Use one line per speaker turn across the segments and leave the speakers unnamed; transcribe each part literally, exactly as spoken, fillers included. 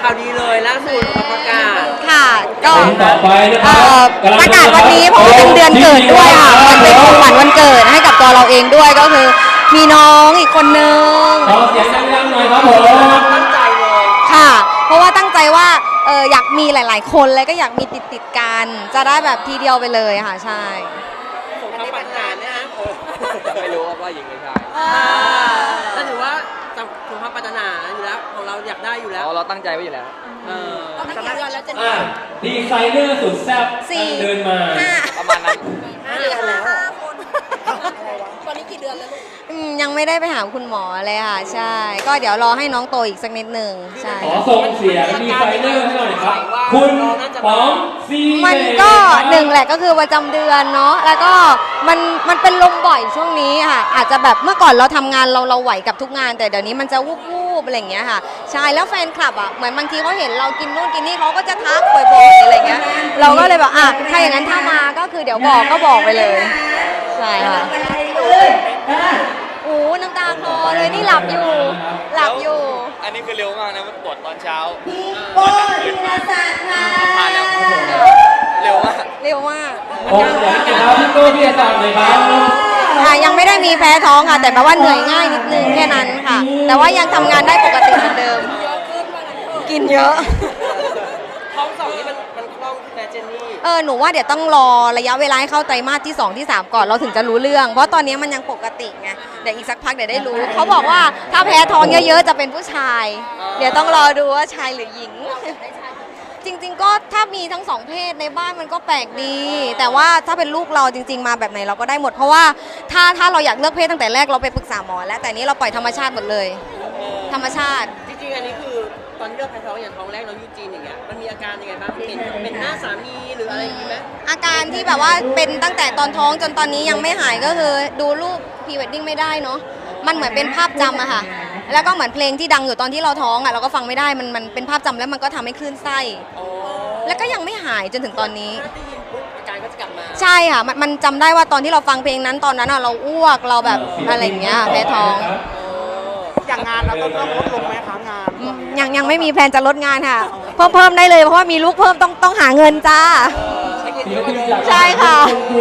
ข่าวดีเลยล่าสุดประกาศ
ค่ะก็
ต่อไปนะครับ
ประกาศวันนี้เพราะว่าเป็นเดือนเกิดด้วยค่ะมันเป็นของขวัญวันเกิดให้กับตัวเราเองด้วยก็คือมีน้องอีกคนนึง
ขอเสียงดังๆหน่อยครับผม
ตั้งใจเลย
ค่ะเพราะว่าตั้งใจว่าเอออยากมีหลายๆคนเลยก็อยากมีติดติดกันจะได้แบบทีเดียวไปเลยค่ะใช่
สมความปรารถนาเนี่ยฮะ
ไม่รู้ว่าหญิงหรือชาย
ก็ถือว่าสมความปรารถนาอยู่แล้วของเราอยากได้อยู่แล้ว
เราตั้งใจไว้อยู่แล้ว
เออ
ตั้งกี่เดือนแล้วจะ
ดีไซเนอร์สุดแซ่บเดินมา
ประมาณนั้น
ห้าเดือนแล้ว
ตอนนี้กี่เดือนแล้วลูกยังไม่ได้ไปหาคุณหมอเลยค่ะใช่ก็เดี๋ยวรอให้น้องโตอีกสักนิดหนึ่งใช่
ขอส่งเสียงดีไซเนอร์ให้หน่อยครับคุณป๋องซี
มันก็หนึ่งแหละก็คือประจำเดือนเนาะแล้วก็มันมันเป็นลมบ่อยช่วงนี้ค่ะอาจจะแบบเมื่อก่อนเราทำงานเราเราไหวกับทุกงานแต่เดี๋ยวนี้มันจะวูบวูบอะไรอย่างเงี้ยค่ะใช่แล้วแฟนคลับอ่ะเหมือนบางทีเขาเห็นเรากินนู่นกินนี่เขาก็จะทักบ่อยๆอะไรเงี้ยเราก็เลยแบบอ่ะถ้าอย่างนั้นถ้ามาก็คือเดี๋ยวบอกก็บอกไปเลยใช่ค่ะโอ้น้ำตาคลอเลยนี่หลับอยู่หลับอยู่
อันนี้คือเร็วมากนะมันปวดตอนเช้า
พี่โก้ธีรศักดิ์ค่ะ
เร็วมาก
เร็วมาก
โอ้ยครับพี่โก้พี่ศักดิ์เลยครับ
ค่ะยังไม่ได้มีแพ้ท้องค่ะแต่แปลว่าเหนื่อยง่ายนิดนึงแค่นั้นค่ะแต่ว่ายังทำงานได้ปกติเหมือนเดิมกินเยอะ
ท้องสองนี่มันมันคล่องขึ้นนะเจนนี่
เออหนูว่าเดี๋ยวต้องรอระยะเวลาให้เข้าไตรมาสที่สองที่สามก่อนเราถึงจะรู้เรื่องเพราะตอนนี้มันยังปกติไงเดี๋ยวอีกสักพักเดี๋ยวได้รู้เขาบอกว่าถ้าแพ้ท้องเยอะๆจะเป็นผู้ชายเดี๋ยวต้องรอดูว่าชายหรือหญิงจริงๆก็ถ้ามีทั้งสองเพศในบ้านมันก็แปลกดีแต่ว่าถ้าเป็นลูกเราจริงๆมาแบบไหนเราก็ได้หมดเพราะว่าถ้าถ้าเราอยากเลือกเพศตั้งแต่แรกเราไปปรึกษาหมอแล้วแต่นี้เราปล่อยธรรมชาติหมดเลยธรรมชาติ
จริงๆอันนี้คือตอนเลือกแพ้ท้องอย่างท้องแรกเรายูจีนอย่างเงี้ยมันมีอาการยังไงบ้างเป็นเป็นหน้าสามีหรืออะไรอย่างงี้ไหม
อาการที่แบบว่าเป็นตั้งแต่ตอนท้องจนตอนนี้ยังไม่หายก็คือดูรูปพรีเวดดิ้งไม่ได้เนาะมันเหมือนเป็นภาพจำอะค่ะแล้วก็เหมือนเพลงที่ดังอยู่ตอนที่เราท้องอะเราก็ฟังไม่ได้มันมันเป็นภาพจำแล้วมันก็ทำให้คลื่นไส้แล้วก็ยังไม่หายจนถึงตอนนี้
อาการก็จะกลับมา
ใช่ค่ะมันมันจำได้ว่าตอนที่เราฟังเพลงนั้นตอนนั้นอะเราอ้วกเราแบบอะไรอย่างเงี้ยแพ้ท้อง
อย่างงานเราต้องลดลงไหมคะงาน
ยังยังไม่มีแผนจะลดงานค่ะเพิ่มเพิ่มได้เลยเพราะว่ามีลูกเพิ่มต้องต้องหาเงินจ้าใช่ค่ะ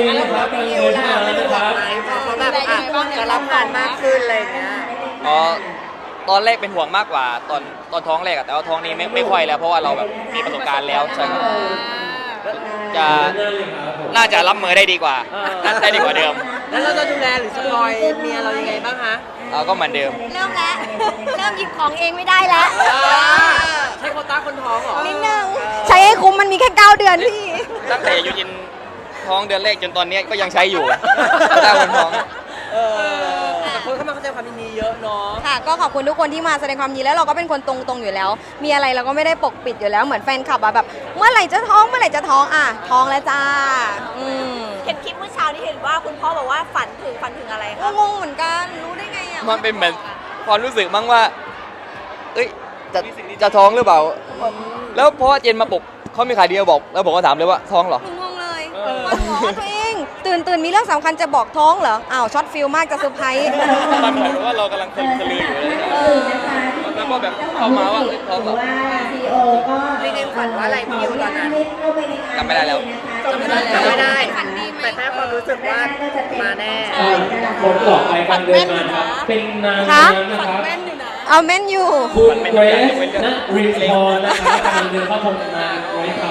จะรับงานมากขึ้นอะไรเงี้ย
อ๋อตอนแรกเป็นห่วงมากกว่าตอนตอนท้องแรกแต่ว่าท้องนี้ไม่ไม่ค่อยแล้วเพราะว่าเราแบบมีประสบการณ์แล้วใช่ครับจะน่าจะรับมือได้ดีกว่าได้ดีกว่าเดิม
แล้วเราจะดูแลหรือสปอยเมียเรายังไงบ้างคะ
เราก็เหมือนเดิม
เริ่มแล้วเริ่มหยิบของเองไม่ได้แล้ว
ใช้โควต้าคนท้องเหรอ
นิดนึงใช้ให้คุ้มมันมีแค่เก้าเดือนพี่
ตั้งแต่ยูจินท้องเดือนแรกจนตอนนี้ก็ยังใช้อยู่โควต้าคนท้อง
แต่คนเข้ามาแสดงความยินดีเยอะเนาะ
ค่ะก็ขอบคุณทุกคนที่มาแสดงความยินดีแล้วเราก็เป็นคนตรงๆอยู่แล้วมีอะไรเราก็ไม่ได้ปกปิดอยู่แล้วเหมือนแฟนคลับอะแบบเมื่อไหร่จะท้องเมื่อไหร่จะท้องอ่ะท้องแล้วจ้า
เห็นคลิปเมื่อเช้านี้เห็นว่าคุณพ่อบอกว่าฝันถึงฝันถึงอะไรคะ
งงเหมือนกันรู้ได้ไงอ่ะ
มันเป็นเหมือนความรู้สึกมั้งว่าเอ้ยจะจะท้องหรือเปล่าแล้วเพราะว่าเจนมาปลุกเขามีขายเดียวบอกแล้วผมก็ถามเลยว่าท้องเหร
องงเลยบอกตัวเองตื่นตื่นมีเรื่องสำคัญจะบอกท้องเหรออ้าวช็อตฟิลมากจะเซอร์ไพรส์
มันเหมือนว่าเรากำลังทะลืออยู่เลยแล้วก็แบบเข้ามาว่าท้องเหรอ
จริงๆฝันว่าอะไรพี่อยู่ตอนนั้น
จำไม่ได้แล้ว
จำไม่ได้จำไม่ได้แต่แค่ความรู้สึกว่ามาแน่
คนต่อไปการเดินมาครับเป็นนางงามนะครับ
เอาแม่นอยู่
คุณเกรซนะรินทร์นะครับการเดินเข้าชมงานไว้ครับ